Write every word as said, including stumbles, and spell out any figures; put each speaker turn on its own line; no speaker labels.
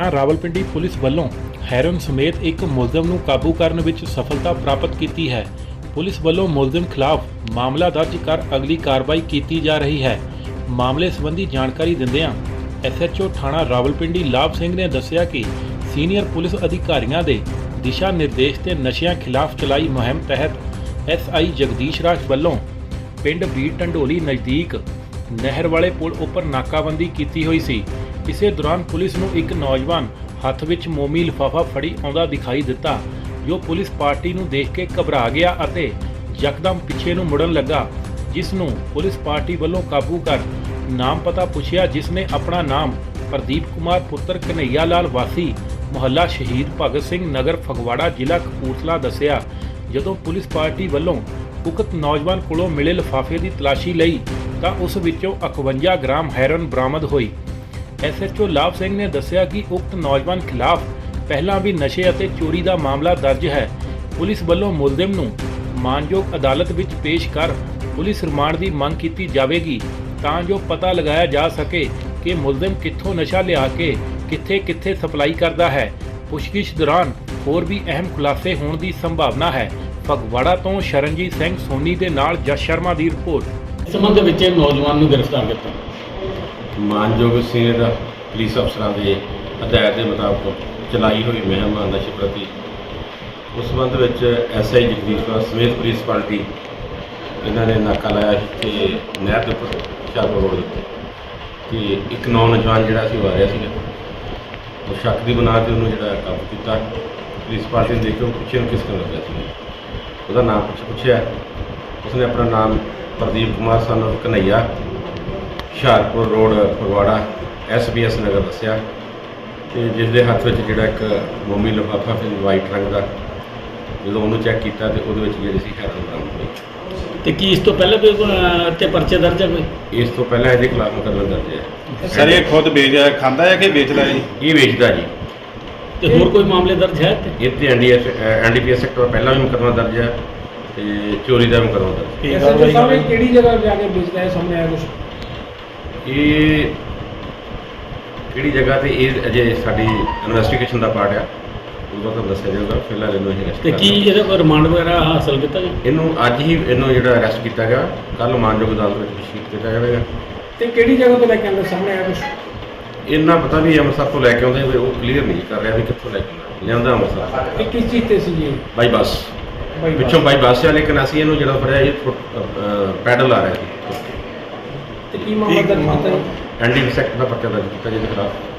थाणा रावलपिंडी पुलिस ਵੱਲੋਂ ਹੈਰੋਇਨ ਸਮੇਤ ਇੱਕ ਮੁਲਜ਼ਮ ਨੂੰ ਕਾਬੂ ਕਰਨ ਵਿੱਚ ਸਫਲਤਾ ਪ੍ਰਾਪਤ ਕੀਤੀ ਹੈ। ਪੁਲਿਸ ਵੱਲੋਂ ਮੁਲਜ਼ਮ ਖਿਲਾਫ ਮਾਮਲਾ ਦਰਜ ਕਰ ਅਗਲੀ ਕਾਰਵਾਈ ਕੀਤੀ ਜਾ ਰਹੀ ਹੈ। ਮਾਮਲੇ ਸੰਬੰਧੀ ਜਾਣਕਾਰੀ ਦਿੰਦਿਆਂ ਐਸ ਐਚ ਓ ਥਾਣਾ ਰਾਵਲਪਿੰਡੀ ਲਾਭ ਸਿੰਘ ਨੇ ਦੱਸਿਆ ਕਿ ਸੀਨੀਅਰ ਪੁਲਿਸ ਅਧਿਕਾਰੀਆਂ ਦੇ ਦਿਸ਼ਾ ਨਿਰਦੇਸ਼ ਤੇ ਨਸ਼ਿਆਂ ਖਿਲਾਫ ਚਲਾਈ ਮੁਹਿੰਮ ਤਹਿਤ ਐਸ ਆਈ ਜਗਦੀਸ਼ ਰਾਜ ਵੱਲੋਂ ਪਿੰਡ ਬੀੜ ਢੰਡੋਲੀ ਨਜ਼ਦੀਕ ਨਹਿਰ ਵਾਲੇ ਪੁਲ ਉੱਪਰ ਨਾਕਾਬੰਦੀ ਕੀਤੀ ਹੋਈ ਸੀ। ਇਸੇ ਦੌਰਾਨ ਪੁਲਿਸ ਨੂੰ ਇੱਕ ਨੌਜਵਾਨ ਹੱਥ ਵਿੱਚ ਮੋਮੀ ਲਿਫਾਫਾ ਫੜੀ ਆਉਂਦਾ ਦਿਖਾਈ ਦਿੱਤਾ, ਜੋ ਪੁਲਿਸ ਪਾਰਟੀ ਨੂੰ ਦੇਖ ਕੇ ਘਬਰਾ ਗਿਆ ਅਤੇ ਯਕਦਮ ਪਿੱਛੇ ਨੂੰ ਮੁੜਨ ਲੱਗਾ, ਜਿਸ ਨੂੰ ਪੁਲਿਸ ਪਾਰਟੀ ਵੱਲੋਂ ਕਾਬੂ ਕਰ ਨਾਮ ਪਤਾ ਪੁੱਛਿਆ, ਜਿਸ ਨੇ ਆਪਣਾ ਨਾਮ ਪ੍ਰਦੀਪ ਕੁਮਾਰ ਪੁੱਤਰ ਕਨਈਆ ਲਾਲ ਵਾਸੀ ਮੁਹੱਲਾ ਸ਼ਹੀਦ ਭਗਤ ਸਿੰਘ ਨਗਰ ਫਗਵਾੜਾ ਜ਼ਿਲ੍ਹਾ ਕਪੂਰਥਲਾ ਦੱਸਿਆ। ਜਦੋਂ ਪੁਲਿਸ ਪਾਰਟੀ ਵੱਲੋਂ ਉਕਤ ਨੌਜਵਾਨ ਕੋਲੋਂ ਮਿਲੇ ਲਿਫਾਫੇ ਦੀ ਤਲਾਸ਼ੀ ਲਈ ਤਾਂ ਉਸ ਵਿੱਚੋਂ ਇਕਵੰਜਾ ਗ੍ਰਾਮ ਹੈਰੋਇਨ ਬਰਾਮਦ ਹੋਈ। ਐਸ ਐਚ ਓ ਲਾਭ ਸਿੰਘ ਨੇ ਦੱਸਿਆ ਕਿ ਉਕਤ ਨੌਜਵਾਨ ਖਿਲਾਫ ਪਹਿਲਾਂ ਵੀ ਨਸ਼ੇ ਅਤੇ ਚੋਰੀ ਦਾ ਮਾਮਲਾ ਦਰਜ ਹੈ। ਪੁਲਿਸ ਵੱਲੋਂ ਮੁਲਜ਼ਮ ਨੂੰ ਮਾਨਯੋਗ ਅਦਾਲਤ ਵਿੱਚ ਪੇਸ਼ ਕਰ ਪੁਲਿਸ ਰਿਮਾਂਡ ਦੀ ਮੰਗ ਕੀਤੀ ਜਾਵੇਗੀ, ਤਾਂ ਜੋ ਪਤਾ ਲਗਾਇਆ ਜਾ ਸਕੇ ਕਿ ਮੁਲਜ਼ਮ ਕਿੱਥੋਂ ਨਸ਼ਾ ਲਿਆ ਕੇ ਕਿੱਥੇ ਕਿੱਥੇ ਸਪਲਾਈ ਕਰਦਾ ਹੈ। ਪੁੱਛਗਿੱਛ ਦੌਰਾਨ ਹੋਰ ਵੀ ਅਹਿਮ ਖੁਲਾਸੇ ਹੋਣ ਦੀ ਸੰਭਾਵਨਾ ਹੈ। ਫਗਵਾੜਾ ਤੋਂ ਸ਼ਰਨਜੀਤ ਸਿੰਘ ਸੋਨੀ ਦੇ ਨਾਲ ਜਸ ਸ਼ਰਮਾ ਦੀ ਰਿਪੋਰਟ।
ਇਸ ਸੰਬੰਧ ਵਿੱਚ ਨੌਜਵਾਨ ਨੂੰ ਗ੍ਰਿਫਤਾਰ ਕੀਤਾ।
ਮਾਨਯੋਗ ਸੀਨੀਅਰ ਪੁਲਿਸ ਅਫਸਰਾਂ ਦੇ ਹਦਾਇਤ ਦੇ ਮੁਤਾਬਕ ਚਲਾਈ ਹੋਈ ਮੁਹਿੰਮ ਨਸ਼ੇ ਪ੍ਰਤੀ ਉਸ ਸੰਬੰਧ ਵਿੱਚ ਐਸ ਆਈ ਜਗਦੀਸ਼ ਰਾਜ ਸਮੇਤ ਪੁਲਿਸ ਪਾਰਟੀ ਇਹਨਾਂ ਨੇ ਨਾਕਾ ਲਾਇਆ ਕਿ ਨਹਿਰ ਦੇ ਉੱਪਰ ਹੁਸ਼ਿਆਰਪੁਰ ਰੋਡ ਦੇ ਉੱਤੇ ਕਿ ਇੱਕ ਨੌਜਵਾਨ ਜਿਹੜਾ ਸੀ ਉਹ ਆ ਰਿਹਾ ਸੀਗਾ। ਉਹ ਸ਼ੱਕ ਦੀ ਬੁਨਿਆਦ 'ਤੇ ਉਹਨੂੰ ਜਿਹੜਾ ਕਾਬੂ ਕੀਤਾ। ਪੁਲਿਸ ਪਾਰਟੀ ਨੇ ਦੇਖਿਆ ਪਿੱਛੇ ਨੂੰ ਕਿਸ ਕਰਨ ਲੱਗਿਆ ਸੀ, ਉਹਦਾ ਨਾਮ ਪੁੱਛ ਪੁੱਛਿਆ ਉਸਨੇ ਆਪਣਾ ਨਾਮ Pradeep Kumar son of Kanaiya Hoshiarpur road Phagwara S B S Nagar ਦੱਸਿਆ, ਅਤੇ ਜਿਸ ਦੇ ਹੱਥ ਵਿੱਚ ਜਿਹੜਾ ਇੱਕ ਮੋਮੀ ਲਿਫਾਫਾ ਸੀ ਵਾਈਟ ਰੰਗ ਦਾ। ਜਦੋਂ ਉਹਨੂੰ ਚੈੱਕ ਕੀਤਾ ਤਾਂ ਉਹਦੇ ਵਿੱਚ ਜਿਹੜੀ ਸੀ ਹੈਰੋਇਨ ਬਰਾਮਦ ਹੋਈ।
ਤੇ ਕੀ ਇਸ ਤੋਂ ਪਹਿਲਾਂ ਵੀ ਤੇ ਪਰਚੇ ਦਰਜ ਹੈ ਕੋਈ?
ਇਸ ਤੋਂ ਪਹਿਲਾਂ ਇਹਦੇ ਖਿਲਾਫ ਮੁਕੱਦਮਾ ਦਰਜ ਹੈ।
ਸਰ ਇਹ ਖੁਦ ਵੇਚ ਖਾਂਦਾ ਹੈ ਕਿ ਵੇਚਦਾ ਜੀ?
ਇਹ ਵੇਚਦਾ ਜੀ।
ਤੇ ਹੋਰ ਕੋਈ ਮਾਮਲੇ ਦਰਜ ਹੈ ਤੇ
ਇਹ 'ਤੇ N D S N D P S sector ਪਹਿਲਾਂ ਵੀ ਮੁਕੱਦਮਾ ਦਰਜ ਹੈ ਅਤੇ ਚੋਰੀ ਦਾ ਮੁਕੱਦਮਾ ਦਰਜ ਹੈ।
ਕਿਹੜੀ ਜਗ੍ਹਾ ਜਾ ਕੇ ਵੇਚਦਾ ਹੈ, ਸਾਹਮਣੇ ਆਇਆ ਕੁਛ?
ਇਹ ਕਿਹੜੀ ਜਗ੍ਹਾ 'ਤੇ ਇਹ ਅਜੇ ਸਾਡੀ ਇਨਵੈਸਟੀਗੇਸ਼ਨ ਦਾ ਪਾਰਟ ਆ, ਉਦੋਂ ਤੁਹਾਨੂੰ ਦੱਸਿਆ ਜਾਊਗਾ। ਫਿਲਹਾਲ ਇਹਨੂੰ ਅਸੀਂ ਅਰੈਸਟ
ਤੇ ਕੀ ਇਹਦਾ ਕੋਈ ਰਿਮਾਂਡ ਵਗੈਰਾ ਹਾਸਲ ਕੀਤਾ ਜੀ?
ਇਹਨੂੰ ਅੱਜ ਹੀ ਇਹਨੂੰ ਜਿਹੜਾ ਅਰੈਸਟ ਕੀਤਾ ਗਿਆ, ਕੱਲ੍ਹ ਮਾਨਯੋਗ ਅਦਾਲਤ ਵਿੱਚ ਪੇਸ਼ ਕੀਤਾ ਜਾਵੇਗਾ।
ਤੇ ਕਿਹੜੀ ਜਗ੍ਹਾ ਤੋਂ ਲੈ ਕੇ ਆਉਂਦਾ, ਸਾਹਮਣੇ ਆਇਆ ਕੁਛ?
ਇੰਨਾ ਪਤਾ ਵੀ ਅੰਮ੍ਰਿਤਸਰ ਤੋਂ ਲੈ ਕੇ ਆਉਂਦੇ, ਵੀ ਉਹ ਕਲੀਅਰ ਨਹੀਂ ਕਰ ਰਿਹਾ ਵੀ ਕਿੱਥੋਂ ਲੈ ਕੇ ਆਉਂਦਾ। ਲਿਆਉਂਦਾ ਅੰਮ੍ਰਿਤਸਰ
ਇਹ ਕਿਸ ਚੀਜ਼ ਤੇ ਸੀ ਜੀ?
ਬਾਈ ਬੱਸ,
ਬਾਈ ਬੱਸ।
ਪਿੱਛੋਂ ਬਾਈ ਬੱਸ ਆ, ਲੇਕਿਨ ਅਸੀਂ ਇਹਨੂੰ ਜਿਹੜਾ ਫੜਿਆ ਇਹ ਪੈਡਲ ਆ ਰਿਹਾ ਸੀ।
ਤੇ ਕੀ ਮਾਮਲਾ ਦਰਜ ਕੀਤਾ ਜੀ?
ਐਨ ਡੀ ਪੀ ਸੈਕਟਰ ਦਾ ਪਰਚਾ ਦਰਜ ਕੀਤਾ ਜਿਹਦੇ ਖਿਲਾਫ